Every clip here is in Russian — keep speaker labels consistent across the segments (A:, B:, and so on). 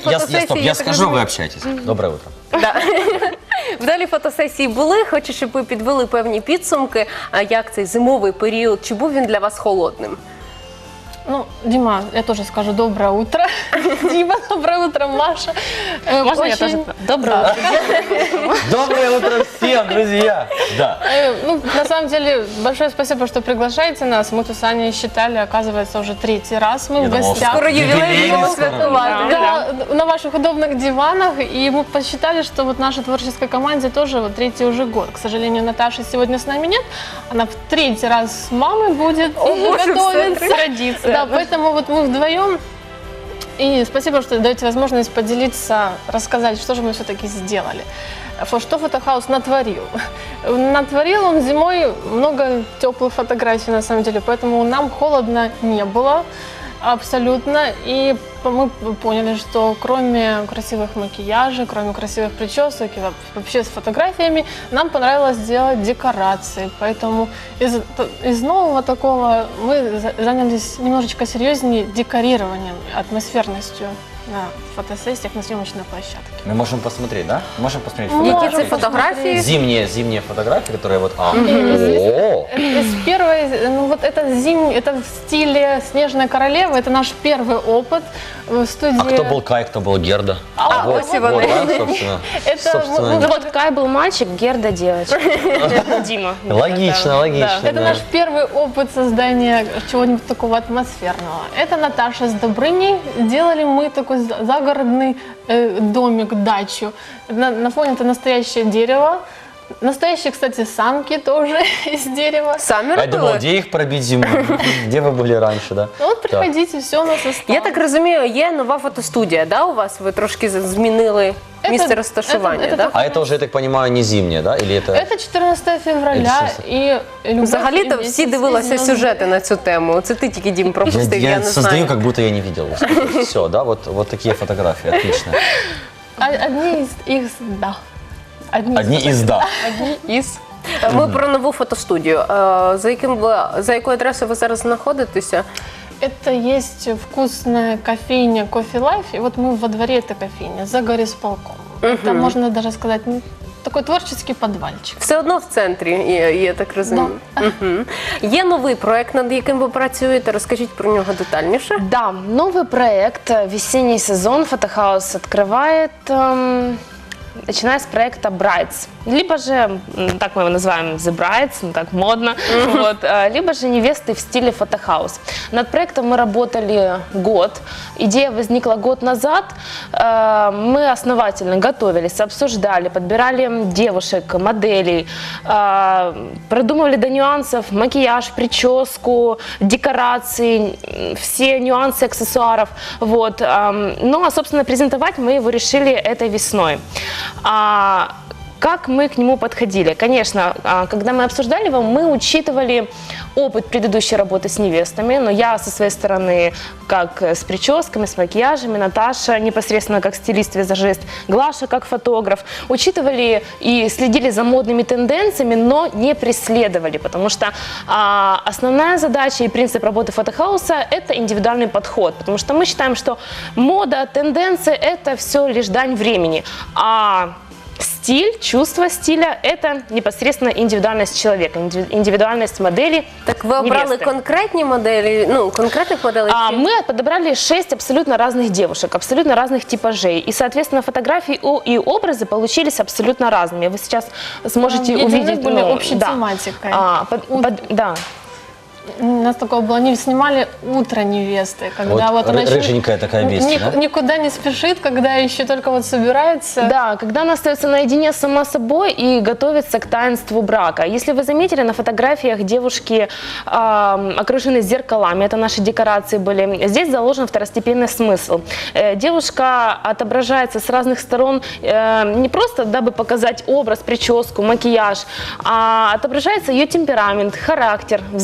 A: фотосесії...
B: Я скажу, вы общаетесь. Доброе утро.
A: Да. Вдалі фотосесії були, хочу, щоб ви підвели певні підсумки, як цей зимовий період, чи був він для вас холодним?
C: Ну, Дима, я тоже скажу доброе утро. Дима, доброе утро, Маша.
D: Можно я тоже? Доброе утро.
B: Доброе утро всем, друзья! Да.
C: Ну, на самом деле, большое спасибо, что приглашаете нас. Мы тут с Аней считали, оказывается, уже 3-й раз мы
B: Я
C: в
B: думал,
C: гостях.
A: Скоро ювілей
B: Ювілей
A: будемо
B: скоро.
A: святкувати.
C: Да, на ваших удобных диванах. И мы посчитали, что вот нашей творческой команде тоже вот 3-й уже год. К сожалению, Наташи сегодня с нами нет. Она в 3-й раз с мамой будет готовиться.
D: Традиция.
C: Да, поэтому вот мы вдвоем. И спасибо, что даете возможность поделиться, рассказать, что же мы все-таки сделали. Что фотохаус натворил. Натворил он зимой много теплых фотографий, на самом деле, поэтому нам холодно не было абсолютно. И мы поняли, что кроме красивых макияжей, кроме красивых причесок и вообще с фотографиями, нам понравилось делать декорации. Поэтому из нового такого мы занялись немножечко серьезнее декорированием, атмосферностью на фотосессиях на съемочной площадке.
B: Мы можем посмотреть, да? Можем посмотреть
A: Які це
B: фотографии?
A: фотографії?
B: Зимние фотографии, которые вот... О!
C: Из первой, ну вот это в стиле «Снежной королевы», это наш первый опыт в студии.
B: А кто был Кай, кто был Герда?
A: вот
B: вот,
A: его,
B: да, собственно.
C: Это
B: Собственно,
D: Ну вот Кай был мальчик, Герда девочка. Дима.
B: Логично, логично.
C: Это
B: да.
C: наш первый опыт создания чего-нибудь такого атмосферного. Это Наташа с Добрыней. Делали мы такой загородный домик, дачу. На фоне это настоящее дерево. Настоящие, кстати, санки тоже из дерева.
A: Самі
B: А я думал,
A: робили?
B: где их пробить зимой? Где вы были раньше, да?
C: Ну, вот приходите, все у нас осталось.
A: Я так розумію, є нова фотостудія, да, у вас? Ви трошки змінили місце розташування,
C: це
A: да?
B: А это уже, я так понимаю, не зимнее, да? Или это...
C: Это 14 февраля и любовь,
A: Взагалі-то
C: и
A: всі
C: месяц,
A: дивилися
C: и звезды.
A: сюжети на цю тему. Це ти тільки, Дім, пропустив, я
B: Я
A: не
B: создаю,
A: знаю.
B: как будто я не видел. Все, да? Вот такие фотографии, отлично.
C: Одни из их, да.
B: Одни из да.
C: из.
A: Ми про нову фотостудію. За якою адресою ви зараз знаходитеся?
C: Это есть вкусная кофейня Coffee Life, и вот мы во дворе этой кофейни, за горисполком. Это, можно даже сказать, такой творческий подвальчик.
A: Все одно в центрі, я так розумію. Мгм. Є новий проект, над яким ви працюєте. Розкажіть про нього детальніше.
D: Да, новый проект, весенний сезон Фотохаус открывает, начиная с проекта Brides. Либо же, так мы его называем, The Brides, ну так модно, вот, либо же невесты в стиле Фотохаус. Над проектом мы работали год, идея возникла год назад, мы основательно готовились, обсуждали, подбирали девушек, моделей, продумывали до нюансов макияж, прическу, декорации, все нюансы аксессуаров, вот. Ну, а, собственно, презентовать мы его решили этой весной. Как мы к нему подходили? Конечно, когда мы обсуждали его, мы учитывали опыт предыдущей работы с невестами, но я со своей стороны, как с прическами, с макияжами, Наташа непосредственно как стилист, визажист, Глаша как фотограф, учитывали и следили за модными тенденциями, но не преследовали, потому что основная задача и принцип работы Фотохауса – это индивидуальный подход, потому что мы считаем, что мода, тенденции – это все лишь дань времени, а стиль, чувство стиля – это непосредственно индивидуальность человека, индивидуальность модели.
A: Так ви обрали
D: невесты.
A: конкретні моделі, ну, конкретних моделей? чи-
D: Мы подобрали 6 абсолютно разных девушек, абсолютно разных типажей. И, соответственно, фотографии и образы получились абсолютно разными. Вы сейчас сможете
C: Объединены
D: увидеть…
C: были
D: ну,
C: общей
D: да.
C: тематикой.
D: Да.
C: У нас такое было, они снимали утро невесты, когда
B: Вот
C: она еще
B: рыженькая такая бестия, да?
C: никуда не спешит, когда еще только вот собирается.
D: Да, когда она остается наедине сама собой и готовится к таинству брака. Если вы заметили, на фотографиях девушки окружены зеркалами, это наши декорации были. Здесь заложен второстепенный смысл. Девушка отображается с разных сторон не просто, дабы показать образ, прическу, макияж, а отображается ее темперамент, характер, взгляд.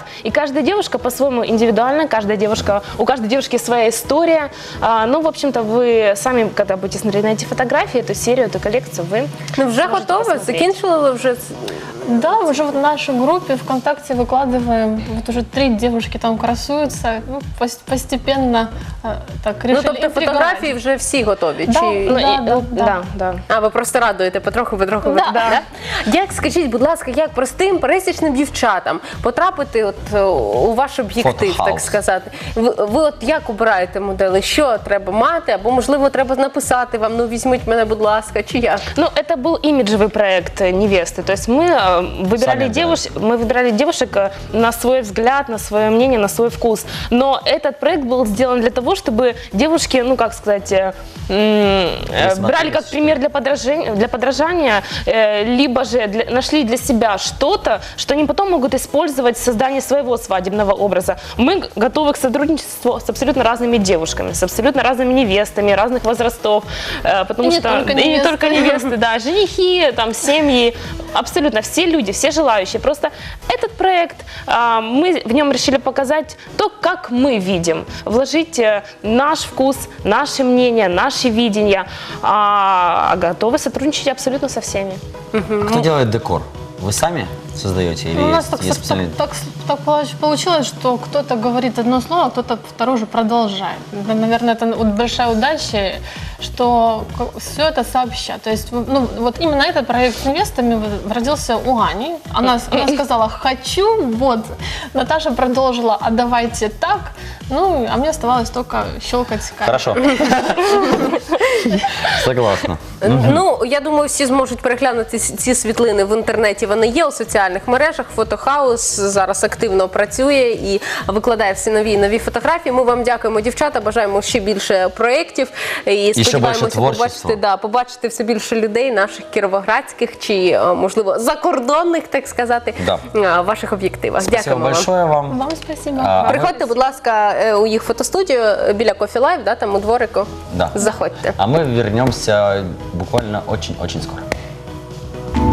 D: И каждая девушка по-своему индивидуальна, у каждой девушки своя история. Ну, в общем-то, вы сами, когда будете смотреть на эти фотографии, эту серию, эту коллекцию, вы
A: Ну вже
D: можете
A: готове?
D: посмотреть.
A: Закінчили ви вже?
C: Да, уже вот в нашей группе ВКонтакте выкладываем, вот уже 3 девушки там красуются, ну, постепенно так
A: Ну
C: решили
A: тобто
C: интриговать.
A: фотографії вже всі готові?
C: Да.
A: Чи...
D: Ну,
C: Да.
D: да.
A: А, ви просто радуєте потроху.
C: Да.
A: Як, скажіть, будь ласка, як простим, пересічним дівчатам потрапити от у ваш об'єктив,
B: Фотохаус.
A: так сказати? Ви от як обираєте модели? Що треба мати? Або, можливо, треба написати вам, ну візьміть мене, будь ласка, чи як?
D: Ну, это был имиджевый проект невесты. То есть мы выбирали девушек на свой взгляд, на свое мнение, на свой вкус. Но этот проект был сделан для того, чтобы девушки, ну, как сказать, брали как пример для подражания, либо же нашли для себя что-то, что они потом могут использовать в создании своего свадебного образа. Мы готовы к сотрудничеству с абсолютно разными девушками, с абсолютно разными невестами, разных возрастов, потому
C: И не
D: что
C: только
D: и не
C: невесты.
D: только невесты, да, женихи, там, семьи, абсолютно все люди, все желающие. Просто этот проект, мы в нем решили показать то, как мы видим, вложить наш вкус, наше мнение, наше видение, готовы сотрудничать абсолютно со всеми.
B: Кто делает декор? Вы сами создаете или
C: Ну, у нас
B: есть,
C: так,
B: есть специальный...
C: так получилось, что кто-то говорит одно слово, а кто-то второе же продолжает. Наверное, это вот большая удача, что все это сообща. То есть, ну, вот именно этот проект с невестами родился у Ани. Она сказала «хочу», вот. Наташа продолжила «а давайте так». Ну, а мне оставалось только щелкать камерой.
B: Хорошо. Согласна.
A: Ну, я думаю, всі зможуть переглянути ці світлини в інтернеті. Вони є у соціальних мережах. Фотохаус зараз активно працює і викладає всі нові і нові фотографії. Ми вам дякуємо, дівчата. Бажаємо ще більше проєктів. І
B: ще
A: сподіваємося
B: більше творчества.
A: побачити все більше людей, наших кіровоградських чи, можливо, закордонних, так сказати, в ваших об'єктивах.
B: Спасибо
A: Дякуємо вам.
B: большое вам.
C: Вам спасибо.
A: Приходьте, будь ласка, у їх фотостудію біля Coffee Life, да, там у дворику.
B: Да.
A: Заходьте.
B: А мы вернемся буквально очень-очень скоро.